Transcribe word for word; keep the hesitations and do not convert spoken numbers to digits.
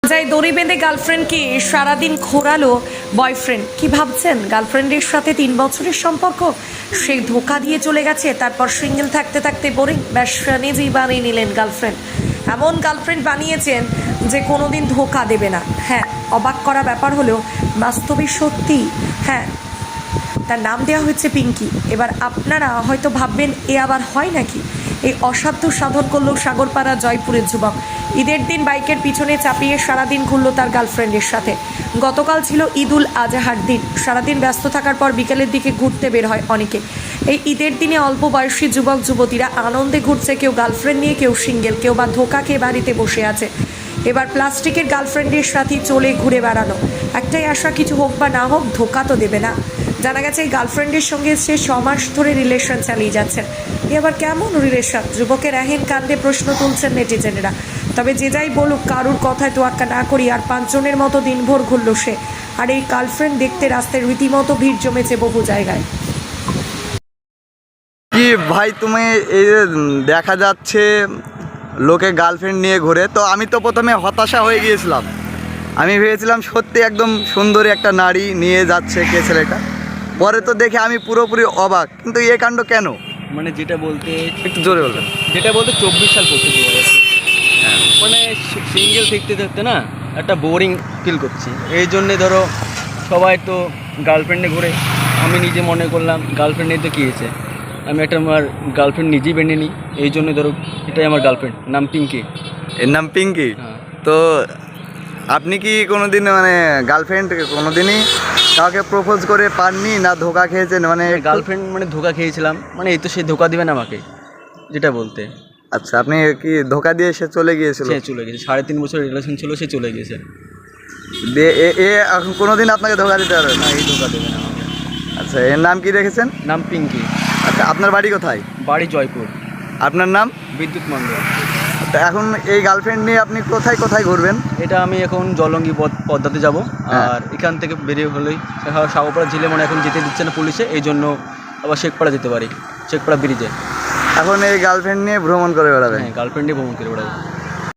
যায় দড়ি বেঁধে গার্লফ্রেন্ডকে সারাদিন ঘোরালো বয়ফ্রেন্ড। কি ভাবছেন, গার্লফ্রেন্ডের সাথে তিন বছরের সম্পর্ক, সে ধোকা দিয়ে চলে গেছে, তারপর সিঙ্গেল থাকতে থাকতে বোরিং, ব্যাস নিজেই বানিয়ে নিলেন গার্লফ্রেন্ড। এমন গার্লফ্রেন্ড বানিয়েছেন যে কোনোদিন ধোকা দেবে না। হ্যাঁ, অবাক করা ব্যাপার হলেও বাস্তবে সত্যি। হ্যাঁ, তার নাম দেওয়া হয়েছে পিঙ্কি। এবার আপনারা হয়তো ভাববেন এ আবার হয় নাকি। এই অসাধ্য সাধন করলো সাগরপাড়া জয়পুরের যুবক। ঈদের দিন বাইকের পিছনে চাপিয়ে সারাদিন ঘুরলো তার গার্লফ্রেন্ডের সাথে। গতকাল ছিল ঈদুল আজহার দিন। সারাদিন ব্যস্ত থাকার পর বিকেলের দিকে ঘুরতে বের হয় অনেকে। এই ঈদের দিনে অল্প বয়সী যুবক যুবতীরা আনন্দে ঘুরছে, কেউ গার্লফ্রেন্ড নিয়ে, কেউ সিঙ্গেল, কেউ বা ধোকা খেয়ে বাড়িতে বসে আছে। এবার প্লাস্টিকের গার্লফ্রেন্ডের সাথে চলে ঘুরে বেড়ানো। একটাই আশা, কিছু হোক বা না হোক ধোকা তো দেবে না। জানা গেছে এই গার্লফ্রেন্ডের সঙ্গে সে ছ মাস ধরে রিলেশন চালিয়ে যাচ্ছেন। এ আবার কেমন রিলেশন? যুবকের এহেন কাণ্ডে প্রশ্ন তুলছেন নেটিজেনেরা। তবে যে যাই বলুক, কারুর কথায় তোয়াক্কা না করি আর পাঁচজনের মতো দিনভর ঘুরল সে। আর এই গার্লফ্রেন্ড দেখতে রাস্তায় রীতিমতো ভিড় জমেছে বহু জায়গায়। কি ভাই, তুমি এই যে দেখা যাচ্ছে লোকে গার্লফ্রেন্ড নিয়ে ঘুরে, তো আমি তো প্রথমে হতাশা হয়ে গিয়েছিলাম। আমি ভেবেছিলাম সত্যি একদম সুন্দরী একটা নারী নিয়ে যাচ্ছে কে ছেলেটা। পরে তো দেখে আমি পুরোপুরি অবাক। কিন্তু এ কাণ্ড কেন? মানে যেটা বলতে একটু জোরে বলবেন। যেটা বলতে চব্বিশ সাল পড়তে দু হাজার মানে সিঙ্গেল থাকতে থাকতে না একটা বোরিং ফিল করছি। এই জন্যে ধরো সবাই তো গার্লফ্রেন্ডে ঘুরে, আমি নিজে মনে করলাম গার্লফ্রেন্ড নিয়ে তো কী হয়েছে, আমি একটা আমার গার্লফ্রেন্ড নিজেই বেঁধে নিই। এই জন্য ধরো এটাই আমার গার্লফ্রেন্ড, নাম পিঙ্কি। এর নাম পিঙ্কি। হ্যাঁ। তো আপনি কি কোনোদিন মানে গার্লফ্রেন্ড কোনোদিনই কাউকে প্রপোজ করে পাননি, না ধোকা খেয়েছেন? মানে গার্লফ্রেন্ড মানে ধোকা খেয়েছিলাম, মানে এই তো সে ধোকা দিবে না আমাকে, যেটা বলতে। আচ্ছা, আপনি কি ধোকা দিয়ে সে চলে গিয়েছিল? সে চলে গেছে, সাড়ে তিন বছর রিলেশন ছিল, সে চলে গেছে। দিয়ে এ এ এখন কোনোদিন আপনাকে ধোকা দিতে পারবে না? না, এই ধোকা দেবে না আমাকে। আচ্ছা, এর নাম কি রেখেছেন? নাম পিঙ্কি। আচ্ছা, আপনার বাড়ি কোথায়? বাড়ি জয়পুর। আপনার নাম? বিদ্যুৎ মন্ডল। তো এখন এই গার্লফ্রেন্ড নিয়ে আপনি কোথায় কোথায় ঘুরবেন? এটা আমি এখন জলঙ্গি পদ পদ্মাতে যাব। হ্যাঁ। আর এখান থেকে বেরিয়ে হলেই সাগরপাড়া ঝিলে মানে এখন যেতে দিচ্ছে না পুলিশে, এই জন্য আবার শেখপাড়া যেতে পারি, শেখপাড়া ব্রিজে। এখন এই গার্লফ্রেন্ড নিয়ে ভ্রমণ করে বেড়াবেন? হ্যাঁ, গার্লফ্রেন্ডে ভ্রমণ করে বেড়াবো।